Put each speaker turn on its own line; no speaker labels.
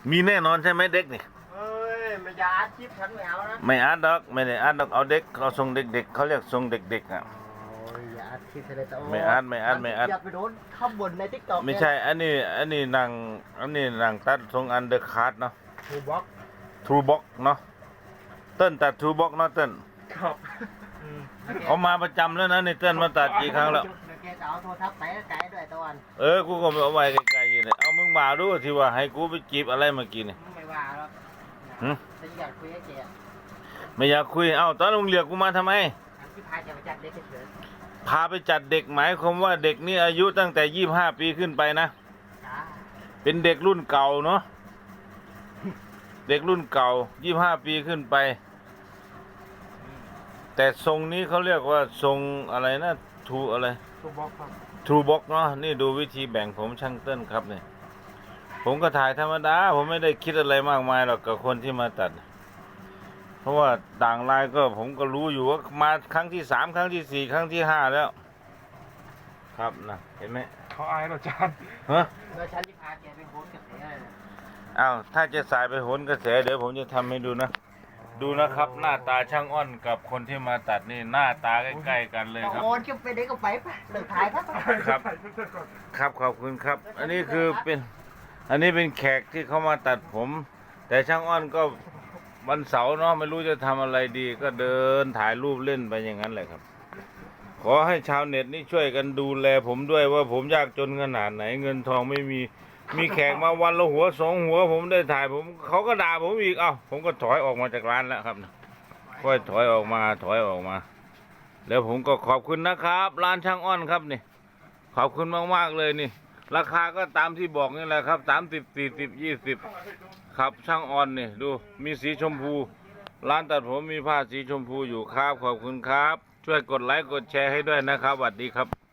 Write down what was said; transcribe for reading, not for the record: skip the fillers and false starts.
มีแน่นอนใช่ไหมเด็กนี่
เอ้ยไม่อยากอัดคลิปฉันไม่เอานะ
ไม่อัดดอกไม่ได้อัดดอกเอาเด็กเราส่งเด็กๆเขาเรียกส่งเด็กๆอ่ะ
โอ้ยอย่าอัดคลิปเลยแต่
ไม่อัด
อย่าไปโดนข้ามบนในทิกตอก
ไม่ใช่อันนี้นางตัดส่งอันเดอร์คัทเนาะ
ทูบ็อก
ทรูบ็อกเนาะเติ้ลตัดทรูบ็อกเนาะเติ้ล
ครับ
เอามาประจำแล้วนะนี่เติ้ลมาตัดกี่ครั้งแล้ว
เดี๋ยวแกจะเอาโทรศัพท์ไปไกลด้วยตะวัน
กูก็ไม่เอาไว้ไกลๆอยู่เลยเอามึงมาดูที่ว่าให้กูไปจีบอะไรเมื่อกี้นี่
ไม่ว่าหรอก
หึ
แต่อยากคุยกับแก
ไม่อยากคุยเอ้าตอนลุงเรียกกูมาทำไม
อันที่พาจะไปจัดเด็กเฉย
พาไปจัดเด็กหมายความว่าเด็กนี่อายุตั้งแต่25 ปีขึ้นไปนะ
ๆจ้า
เป็นเด็กรุ่นเก่าเนาะเด็กรุ่นเก่า25 ปีขึ้นไป แต่ทรงนี้เขาเรียกว่าทรงอะไรนะทูอะไร
ทูบ็อกครับ
ทรูบ็อกเนาะนี่ดูวิธีแบ่งผมช่างเต้นครับเนี่ยผมก็ถ่ายธรรมดาผมไม่ได้คิดอะไรมากมายหรอกกับคนที่มาตัด เพราะว่าต่างลายก็ผมก็รู้อยู่ว่ามาครั้งที่3ครั้งที่4ครั้งที่5แล้ว ครับนะเห็นไหม
เขาอายเหราจาน
ฮะ
แล้วฉันที่พาแกไปโฮสกับแกเลยนะ
อ้าวถ้าจะสายไปโหนกระแสเดี๋ยวผมจะทำให้ดูนะ ดูนะครับ หน้าตาช่างอ้อนกับคนที่มาตัดนี่หน้าตาใกล้ๆกันเลยครับ
โอนก็ไปเด็กก็ไปปะเลิกถ่ายครับ
ครับ ครับขอบคุณครับ อันนี้คือเป็นแขกที่เขามาตัดผม แต่ช่างอ้อนก็วันเสาร์เนาะไม่รู้จะทำอะไรดี ก็เดินถ่ายรูปเล่นไปอย่างนั้นแหละครับ ขอให้ชาวเน็ตนี่ช่วยกันดูแลผมด้วยว่าผมยากจนขนาดไหนเงินทองไม่มีแขกมาวันละหัว2 หัว ผมได้ถ่ายผมเขาก็ด่าผมอีกผมก็ถอยออกมาจากร้านแล้วครับค่อยถอยออกมาแล้วผมก็ขอบคุณนะครับร้านช่างอ้อนครับนี่ขอบคุณมากๆเลยนี่ ราคาก็ตามที่บอกนี่แหละครับ30 40 20ครับช่างอ้อนนี่ดูมีสีชมพูร้านตัดผมมีผ้าสีชมพูอยู่ครับขอบคุณครับช่วยกดไลค์กดแชร์ให้ด้วยนะครับสวัสดีครับ